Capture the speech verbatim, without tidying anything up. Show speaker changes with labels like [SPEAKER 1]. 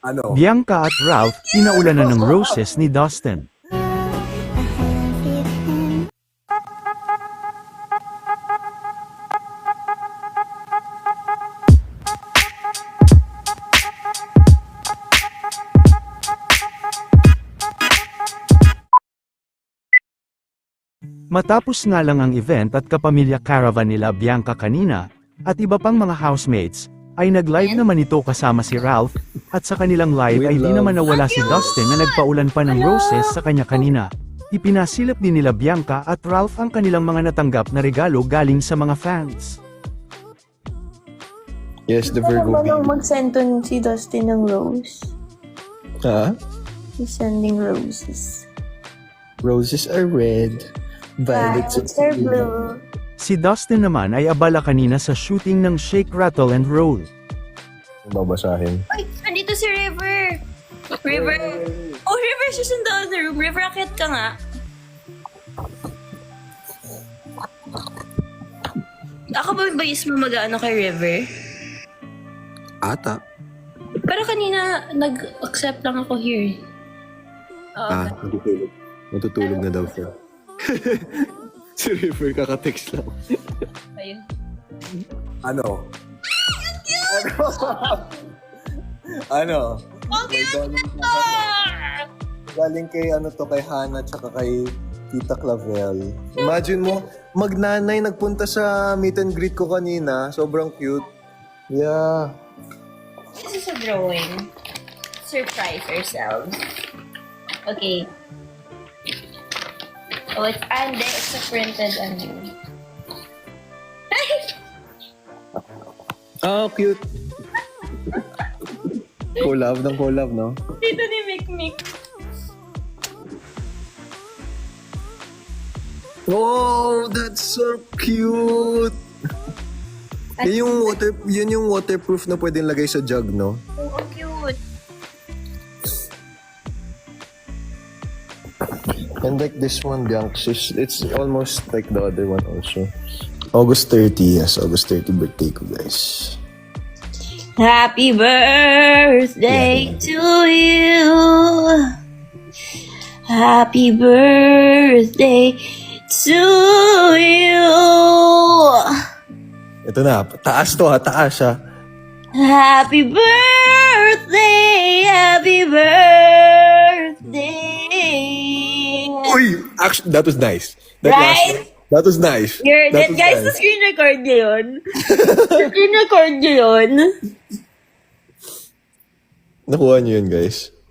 [SPEAKER 1] Ano?
[SPEAKER 2] Bianca at Ralph pinaulanan ng roses ni Dustin. Matapos nga lang ang event at kapamilya caravan nila Bianca kanina, at iba pang mga housemates, ay nag-live naman ito kasama si Ralph, at sa kanilang live
[SPEAKER 1] With
[SPEAKER 2] ay di
[SPEAKER 1] love.
[SPEAKER 2] naman nawala si Dustin na nagpaulan pa ng roses sa kanya kanina. Ipinasilap din nila Bianca at Ralph ang kanilang mga natanggap na regalo galing sa mga fans.
[SPEAKER 1] Yes, the
[SPEAKER 3] Ano
[SPEAKER 1] Virgo
[SPEAKER 3] ba nang
[SPEAKER 1] baby.
[SPEAKER 3] mag-send to si Dustin ng rose?
[SPEAKER 1] Ha?
[SPEAKER 3] He's sending roses.
[SPEAKER 1] Roses are red. Violets
[SPEAKER 3] Violets are blue.
[SPEAKER 2] Si Dustin naman ay abala kanina sa shooting ng Shake, Rattle and Roll.
[SPEAKER 1] Babasahin.
[SPEAKER 4] Ay, andito si River! River! Oh, River, she's in the other room. River, akit ka nga. Ako ba yung bayis mo mag-ano kay River?
[SPEAKER 1] Ata.
[SPEAKER 4] Pero kanina, nag-accept lang ako here. Oo.
[SPEAKER 1] Ah, matutulog. Matutulog na daw siya. Si River kaka-text lang.
[SPEAKER 4] Ayun.
[SPEAKER 1] Ano? Ano?
[SPEAKER 4] Ang cute na!
[SPEAKER 1] Galing kay ano to, kay Hannah tsaka kay Tita Clavel. Imagine mo, magnanay nagpunta sa meet and greet ko kanina. Sobrang cute. Yeah.
[SPEAKER 4] This is a drawing. Surprise ourselves. Okay. Oh, it's and it's a printed ano.
[SPEAKER 1] Oh, cute. Collab ng collab, no?
[SPEAKER 4] Dito ni Mikmik.
[SPEAKER 1] Oh, that's so cute! Yun yung water, yun yung waterproof na pwedeng lagay sa jug, no?
[SPEAKER 4] Oh, ang cute.
[SPEAKER 1] And like this one, Bianca, it's, it's almost like the other one also. August thirtieth, yes, August thirtieth birthday ko, guys.
[SPEAKER 4] Happy birthday to you. Happy birthday to you.
[SPEAKER 1] Ito na, taas to ha, taas ha.
[SPEAKER 4] Happy birthday, happy birthday.
[SPEAKER 1] Uy, actually, that was nice. That
[SPEAKER 4] Right?
[SPEAKER 1] last- that was nice.
[SPEAKER 4] You're,
[SPEAKER 1] that
[SPEAKER 4] that, guys,
[SPEAKER 1] nice.
[SPEAKER 4] sa screen record niyo yun. Screen record niyo yun.
[SPEAKER 1] Nakuha niyo yun, guys.